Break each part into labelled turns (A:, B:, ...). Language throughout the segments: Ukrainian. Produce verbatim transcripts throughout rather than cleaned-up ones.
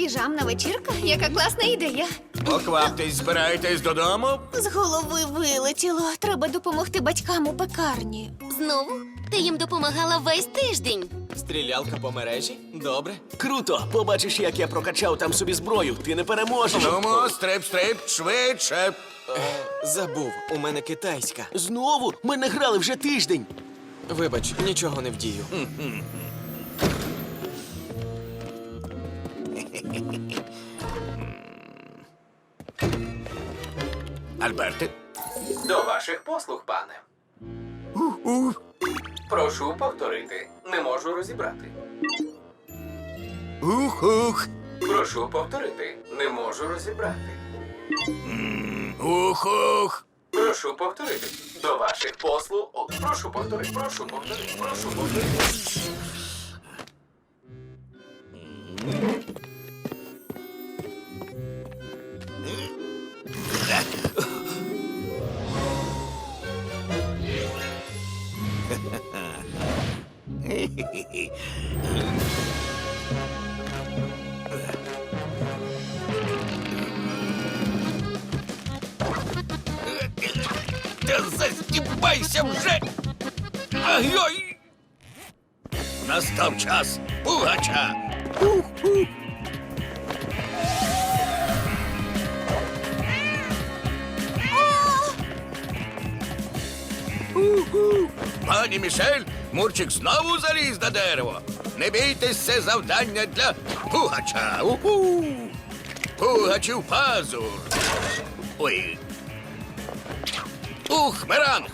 A: Піжамна вечірка? Яка класна ідея.
B: Покваптесь, збираєтесь додому?
A: З голови вилетіло. Треба допомогти батькам у пекарні.
C: Знову? Ти їм допомагала весь тиждень.
D: Стрілялка по мережі? Добре. Круто! Побачиш, як я прокачав там собі зброю. Ти не переможеш.
B: Нумо, стрип-стрип, швидше.
D: Забув, у мене китайська. Знову? Ми не грали вже тиждень. Вибач, нічого не вдію.
B: Альберте?
E: До ваших послуг, пане. Прошу повторити. Не можу розібрати.
B: Ух-ух.
E: Прошу повторити. Не можу розібрати.
B: Ух-ух.
E: Прошу повторити. До ваших послуг. О, прошу повторити. Прошу повторити. Прошу повторити.
B: Та застібайся вже! Ай-ой! Настав час пугача! Ух-ух! Ух-ух! Пані Мішель, Мурчик знову заліз на дерево. Не бійтесь, це завдання для пугача. Уху! Пугачів пазур. Ой. Ух, меранг!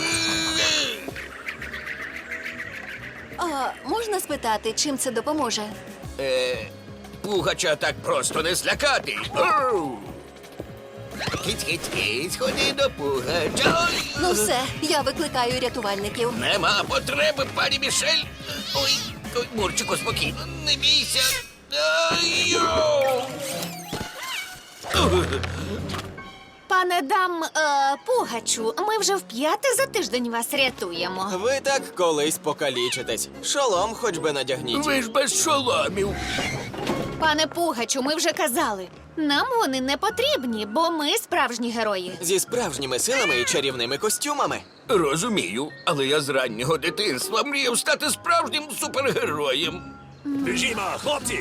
A: А можна спитати, чим це допоможе?
B: Е, пугача так просто не злякати. Оу! Киць-киць-киць, ходи до пугача. Ой!
A: Ну все, я викликаю рятувальників.
B: Нема потреби, пані Мішель. Ой, ой, Мурчику, спокійно, не бійся. Ай-йоу!
A: Пане дам е, Пугачу, ми вже вп'яте за тиждень вас рятуємо.
D: Ви так колись покалічитесь. Шолом хоч би надягніть.
B: Ви ж без шоломів.
A: Пане Пугачу, ми вже казали. Нам вони не потрібні, бо ми справжні герої.
D: Зі справжніми силами і чарівними костюмами.
B: Розумію, але я з раннього дитинства мріяв стати справжнім супергероєм.
F: Біжімо, хлопці!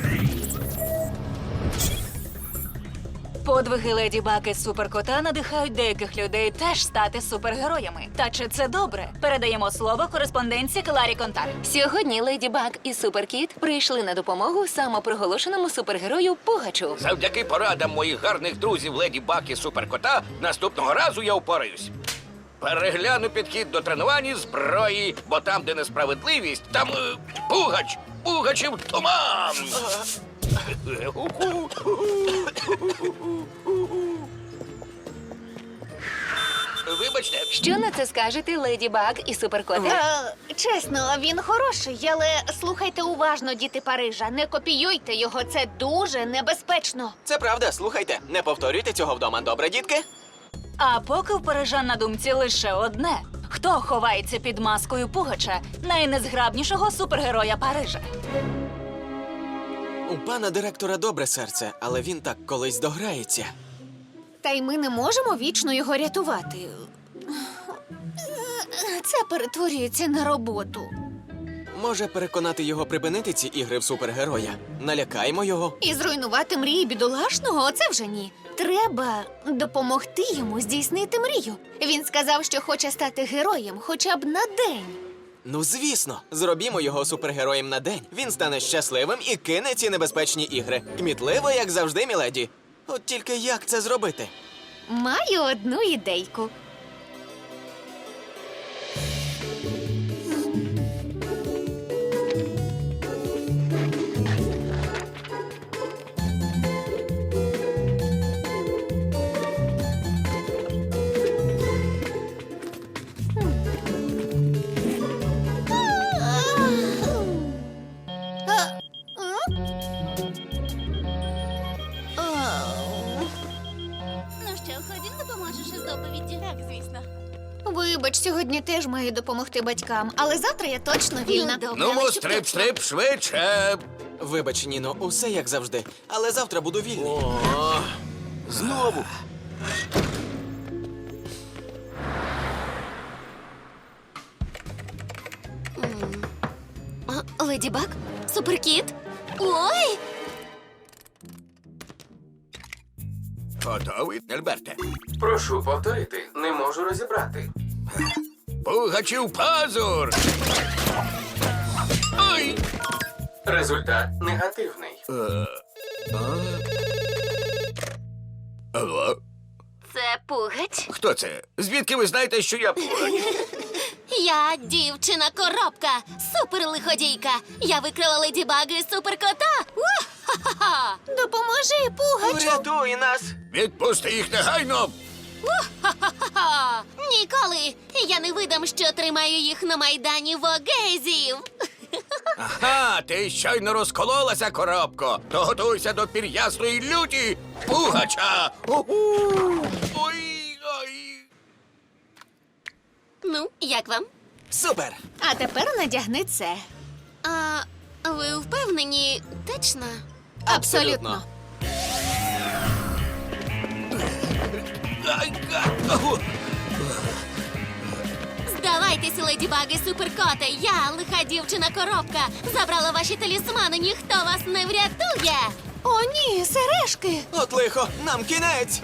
G: Подвиги Леді Баг і Суперкота надихають деяких людей теж стати супергероями. Та чи це добре? Передаємо слово кореспондентці Кларі Контар.
C: Сьогодні Леді Баг і Суперкіт прийшли на допомогу самопроголошеному супергерою Пугачу.
B: Завдяки порадам моїх гарних друзів Леді Баг і Суперкота наступного разу я впораюсь. Перегляну підхід до тренувань зброї, бо там, де несправедливість, там е, пугач, пугачів туман. Вибачте.
C: Що на це скажете, Леді Баг і Суперкоте?
A: Е, чесно, він хороший, але слухайте уважно, діти Парижа. Не копіюйте його, це дуже небезпечно.
D: Це правда, слухайте. Не повторюйте цього вдома, добре, дітки?
G: А поки в парижан на думці лише одне: хто ховається під маскою Пугача, найнезграбнішого супергероя Парижа?
D: У пана директора добре серце, але він так колись дограється.
A: Та й ми не можемо вічно його рятувати. Це перетворюється на роботу.
D: Може переконати його припинити ці ігри в супергероя? Налякаємо його.
A: І зруйнувати мрії бідолашного – оце вже ні. Треба допомогти йому здійснити мрію. Він сказав, що хоче стати героєм хоча б на день.
D: Ну, звісно, зробімо його супергероєм на день. Він стане щасливим і кине ці небезпечні ігри. Кмітливо, як завжди, міледі. От тільки як це зробити?
A: Маю одну ідейку.
C: Ну що, ходім, допоможеш із доповіддю? Так, звісно.
A: Вибач, сьогодні теж маю допомогти батькам, але завтра я точно вільна.
C: Ну, добре,
B: Ну,
C: але щоб
B: стрип-стрип, швидше.
D: Вибач, Ніно, усе як завжди, але завтра буду вільний.
F: О, знову.
A: А, Леді Баг? Суперкіт? Ой!
B: Готовий, Альберте?
E: Прошу повторити, не можу розібрати.
B: Пугачів пазур! Ой!
E: Результат негативний.
B: Алло?
A: Це Пугач.
B: Хто це? Звідки ви знаєте, що я пугач?
A: Я дівчина-коробка, суперлиходійка. Я викрила Леді Баг і суперкота. Уа-ха-ха-ха! Допоможи, Пугачу!
D: Врятуй нас!
B: Відпусти їх негайно!
A: Ха-ха! Ніколи! Я не видам, що тримаю їх на майдані вогезів.
B: Ага, ти щойно розкололася, коробко. То готуйся до пір'ясної люті пугача. Уху! Ой, ой.
A: Ну, як вам?
D: Супер!
A: А тепер надягни це. А ви впевнені, точно?
D: Абсолютно.
B: Ай, га, ау.
A: Здавайтеся, Леді Баг і суперкоте. Я, лиха дівчина-коробка, забрала ваші талісмани, ніхто вас не врятує. О, ні, сережки.
D: От лихо, нам кінець!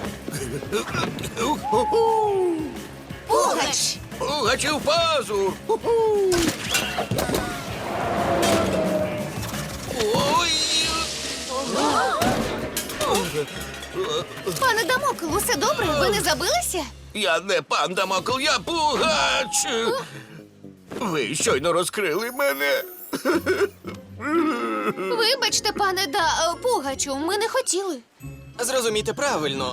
A: Пугач.
B: Пугачів пазур. Уху. Ой.
A: Пане Дамокл, усе добре? Ви не забилися?
B: Я не пан Дамокл, я пугач. Ви щойно розкрили мене.
A: Вибачте, пане да Пугачу, ми не хотіли.
D: Зрозумійте правильно.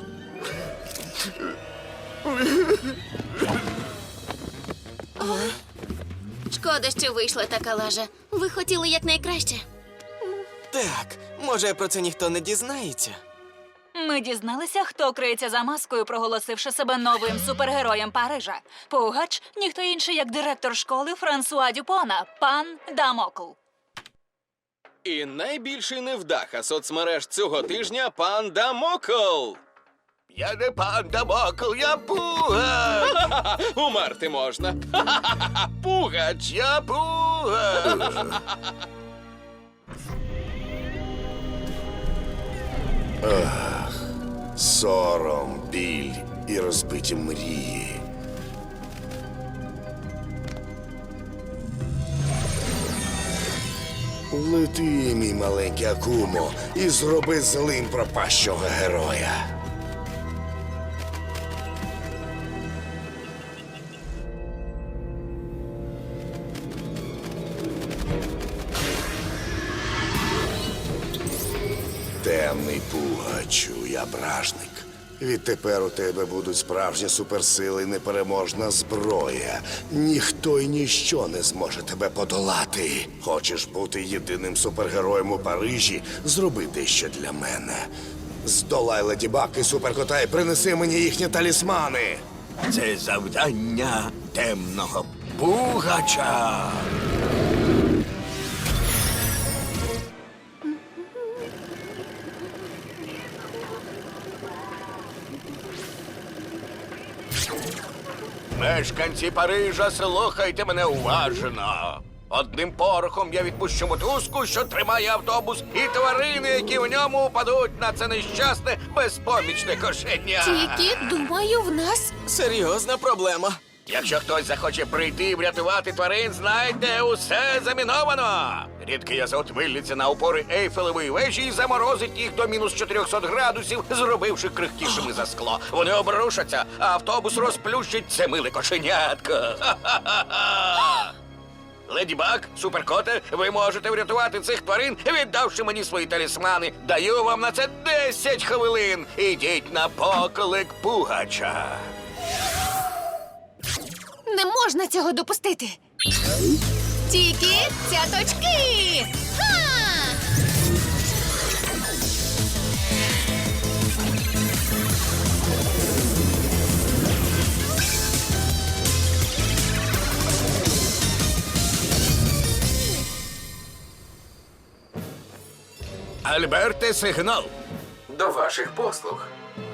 A: Шкода, що вийшла така лажа. Ви хотіли якнайкраще.
D: Так, може, про це ніхто не дізнається.
G: Ми дізналися, хто криється за маскою, проголосивши себе новим супергероєм Парижа. Пугач – ніхто інший, як директор школи Франсуа Дюпона, пан Дамокл.
H: І найбільший невдаха соцмереж цього тижня – пан Дамокл.
B: Я не пан Дамокл, я пугач.
H: Ха-ха-ха, умерти можна. Ха-ха-ха, Пугач.
B: Я пугач.
I: Сором, біль і розбиті мрії. Лети, мій маленький Акумо, і зроби злим пропащого героя. Темний пугачу, я бражник. Відтепер у тебе будуть справжні суперсили і непереможна зброя. Ніхто й ніщо не зможе тебе подолати. Хочеш бути єдиним супергероєм у Парижі? Зроби дещо для мене. Здолай Леді Баг і суперкота і принеси мені їхні талісмани.
B: Це завдання темного пугача. Мешканці Парижа, слухайте мене уважно. Одним порохом я відпущу мотузку, що тримає автобус, і тварини, які в ньому упадуть на це нещасне, безпомічне кошеня.
A: Тільки, думаю, в нас.
D: Серйозна проблема.
B: Якщо хтось захоче прийти і врятувати тварин, знайте, усе заміновано. Рідкий азот виллється на опори Ейфелевої вежі і заморозить їх до мінус чотириста градусів, зробивши крихкішими за скло. Вони обрушаться, а автобус розплющить це миле кошенятко. Ха-ха-ха-ха! Леді Баг, суперкоте, ви можете врятувати цих тварин, віддавши мені свої талісмани. Даю вам на це десять хвилин. Ідіть на поклик пугача.
A: Не можна цього допустити. Тільки цяточки! Ха!
B: Альберте, сигнал.
E: До ваших послуг.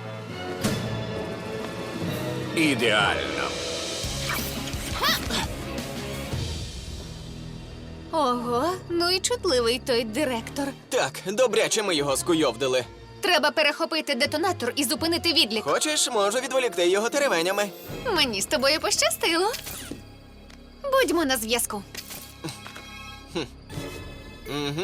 B: Ідеально.
A: Ого, ну і чутливий той директор.
D: Так, добряче ми його скуйовдили.
A: Треба перехопити детонатор і зупинити відлік.
D: Хочеш, можу відволікти його теревенями.
A: Мені з тобою пощастило. Будьмо на зв'язку.
D: Угу.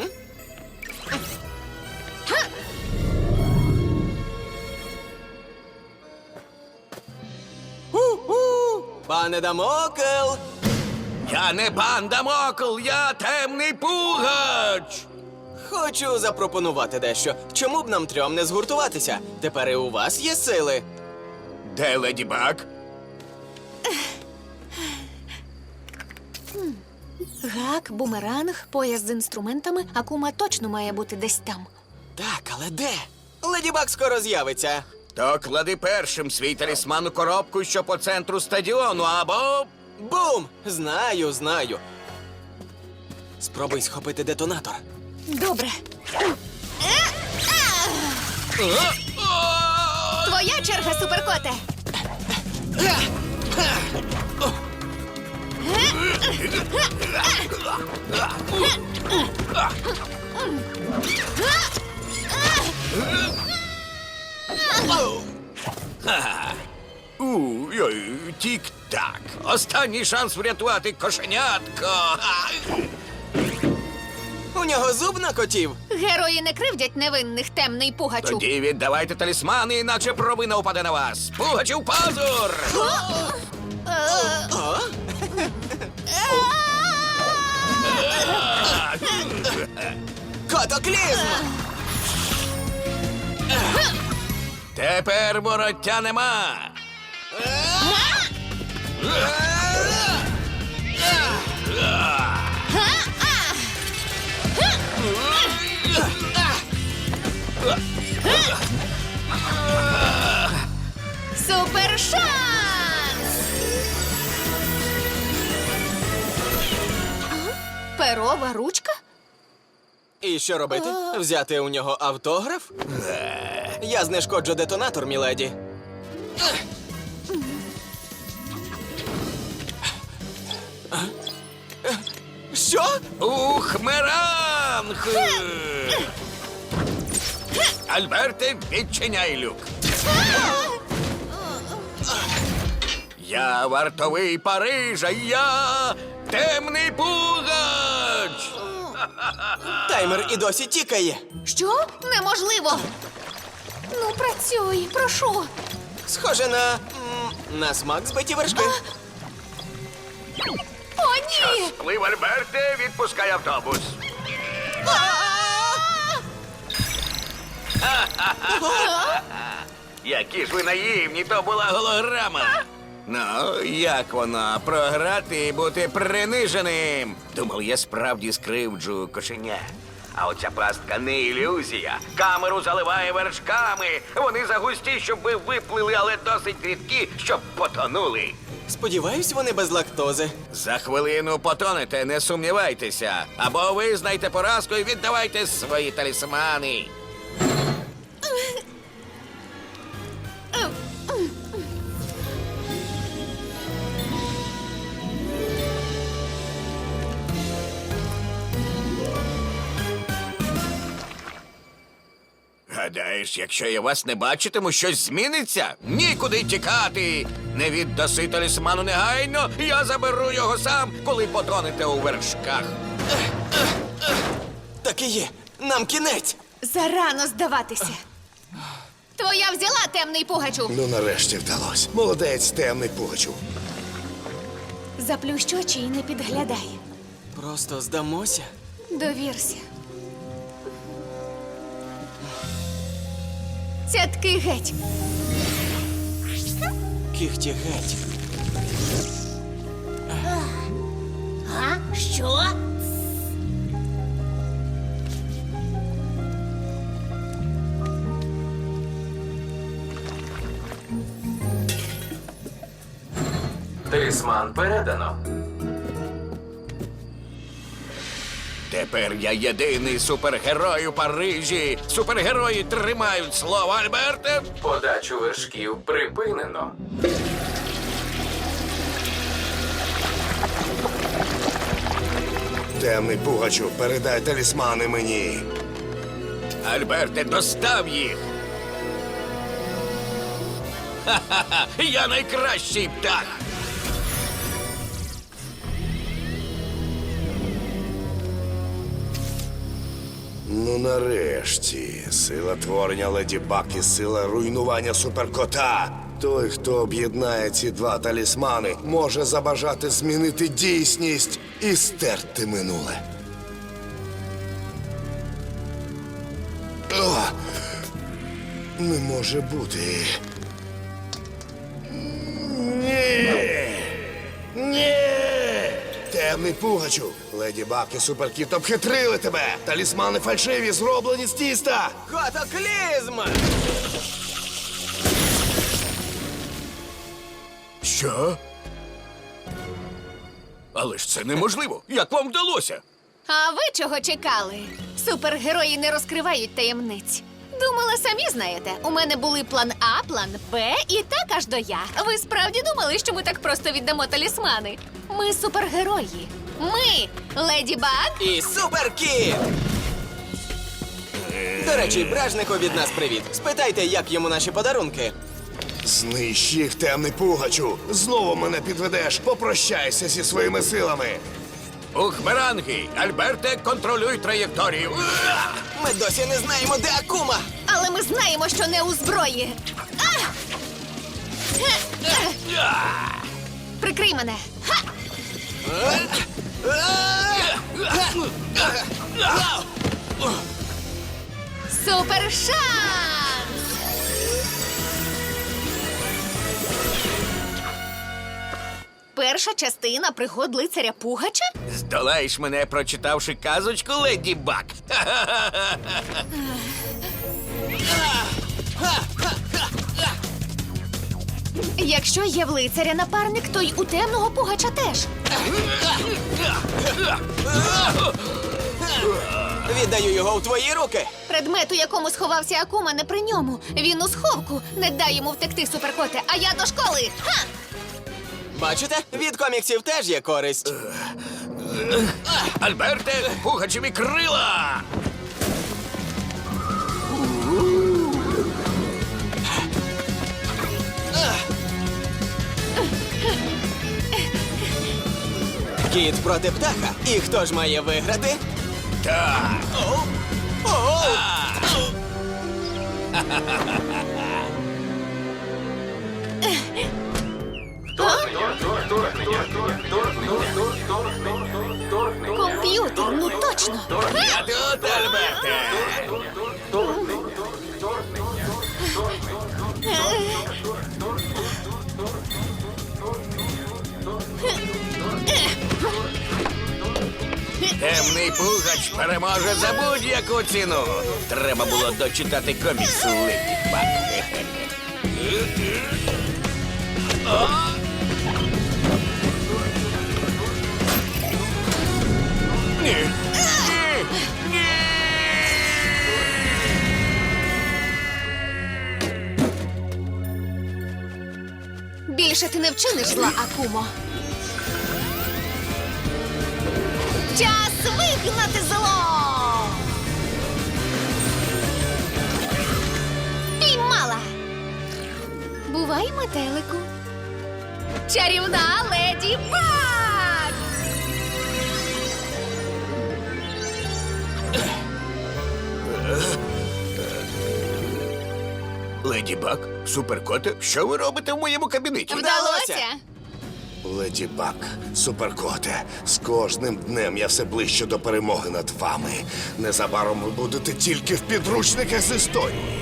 D: У-у! Пане Дамокл!
B: Я не пан Дамокл, я темний пугач.
D: Хочу запропонувати дещо. Чому б нам трьом не згуртуватися? Тепер і у вас є сили.
B: Де Леді Баг?
A: Гак, бумеранг, пояс з інструментами, Акума точно має бути десь там.
D: Так, але де? Леді Баг скоро з'явиться.
B: То клади першим свій талісман у коробку, що по центру стадіону, або...
D: Бум! Знаю, знаю. Спробуй схопити детонатор.
A: Добре. Твоя черга, суперкоте.
B: Ой, тік-так. Останній шанс врятувати кошенятко.
D: У нього зуб на котів.
A: Герої не кривдять невинних, темний пугачу.
B: Тоді віддавайте талісмани, іначе провина упаде на вас. Пугачів пазур!
D: О? Котоклізм!
B: Тепер вороття нема.
A: Супер шанс! Перова ручка?
D: І що робити? Взяти у нього автограф? Я знешкоджу детонатор, міледі. Що?
B: Ухмеранг! Альберте, відчиняй люк. Я вартовий Парижа, я темний пугач!
D: Таймер і досі тікає.
A: Що? Неможливо! Ну, працюй, прошу.
D: Схоже на. м, на смак збиті вершки.
A: О, ні!
B: Сплив, Альберте, відпускай автобус. Які ж ви наївні, то була голограма. Ну, як воно, програти і бути приниженим? Думав, я справді скривджу кошеня. А оця пастка не ілюзія. Камеру заливає вершками. Вони загусті, щоб ви виплили, але досить рідкі, щоб потонули.
D: Сподіваюсь, вони без лактози.
B: За хвилину потонете, не сумнівайтеся. Або визнайте поразку і віддавайте свої талісмани. Гадаєш, якщо я вас не бачитиму, щось зміниться? Нікуди тікати! Не віддаси талісману негайно, я заберу його сам, коли потонете у вершках.
D: Так і є. Нам кінець.
A: Зарано здаватися. Твоя взяла, темний пугачу.
I: Ну, нарешті вдалося. Молодець, темний пугачу.
A: Заплющ очі і не підглядай.
D: Просто здамося.
A: Довірся. Цятки геть.
D: Кіхті геть.
A: А? Що?
E: Талісман передано.
B: Тепер я єдиний супергерой у Парижі. Супергерої тримають слово, Альберте.
E: Подачу вершків припинено.
I: Темний Пугачу, передай талісмани мені.
B: Альберте, достав їх. Ха-ха-ха! Я найкращий птах.
I: Ну, нарешті, сила творення Леді Баг і сила руйнування суперкота. Той, хто об'єднає ці два талісмани, може забажати змінити дійсність і стерти минуле. О! Не може бути. Ні! Ні! Темний Пугачу! Леді Баг і Суперкіт обхитрили тебе! Талісмани фальшиві, зроблені з тіста!
D: Катаклізм!
B: Що? Але ж це неможливо. Як вам вдалося?
A: А ви чого чекали? Супергерої не розкривають таємниць. Думала, самі знаєте. У мене були план А, план Б і так аж до Я. Ви справді думали, що ми так просто віддамо талісмани? Ми супергерої. Ми Леді Баг.
D: І Суперкіт! До речі, Бражнику від нас привіт. Спитайте, як йому наші подарунки.
I: Знищ їх, Темний Пугачу! Знову мене підведеш! Попрощайся зі своїми силами!
B: Ухмеранги! Альберте, контролюй траєкторію. Уа!
D: Ми досі не знаємо, де Акума!
A: Але ми знаємо, що не у зброї. А! Е, е. Прикрий мене. Ха! Супер шанс! Перша частина пригод лицаря Пугача?
B: Здолаєш мене, прочитавши казочку, Леді Баг.
A: Якщо є в лицаря напарник, то й у темного Пугача теж.
D: Віддаю його в твої руки.
A: Предмет, у якому сховався Акума, не при ньому. Він у сховку. Не дай йому втекти, суперкоте, а я до школи. Ха!
D: Бачите, від коміксів теж є користь.
B: Альберте, пугачеві крила!
D: Кіт проти птаха. І хто ж має виграти?
B: Так!
A: Комп'ютер, ну точно.
B: Я тут, Альберте! Темний Пугач переможе за будь-яку ціну. Треба було дочитати комікс Леді Баг. Ні. Ні. Ні.
A: Більше ти не вчиниш зла, Акумо. Час вигнати зло! Піймала! Бувай, метелику. Чарівна Леді Баг!
B: Леді Баг, суперкоте, що ви робите в моєму кабінеті?
A: Вдалося!
I: Леді Баг, Суперкоте, з кожним днем я все ближче до перемоги над вами. Незабаром ви будете тільки в підручниках з історії.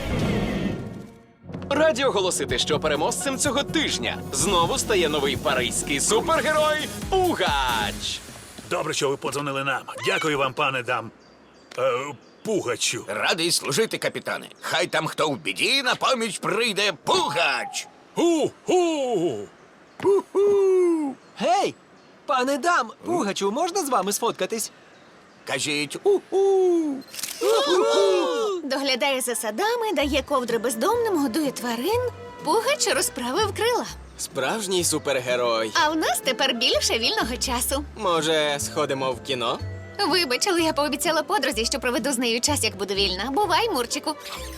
H: Раді оголосити, що переможцем цього тижня знову стає новий паризький супергерой Пугач.
F: Добре, що ви подзвонили нам. Дякую вам, пане дам. Е, Пугачу.
B: Радий служити, капітане. Хай там хто в біді, на поміч прийде Пугач.
F: Ху-ху!
J: Гей! Пане дам, Пугачу, можна з вами сфоткатись?
B: Кажіть у-у.
A: Доглядає за садами, дає ковдри бездомним, годує тварин. Пугач розправив крила.
D: Справжній супергерой.
A: А в нас тепер більше вільного часу.
D: Може, сходимо в кіно?
A: Вибач, але я пообіцяла подрузі, що проведу з нею час, як буду вільна. Бувай, Мурчику.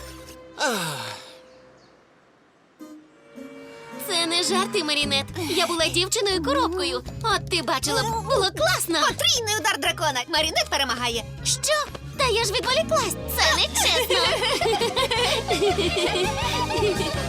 J: Це не жарти, Марінет. Я була дівчиною-коробкою. От ти бачила, б, було класно.
A: Потрійний удар дракона. Марінет перемагає.
J: Що? Та я ж відволіклась. Це не чесно.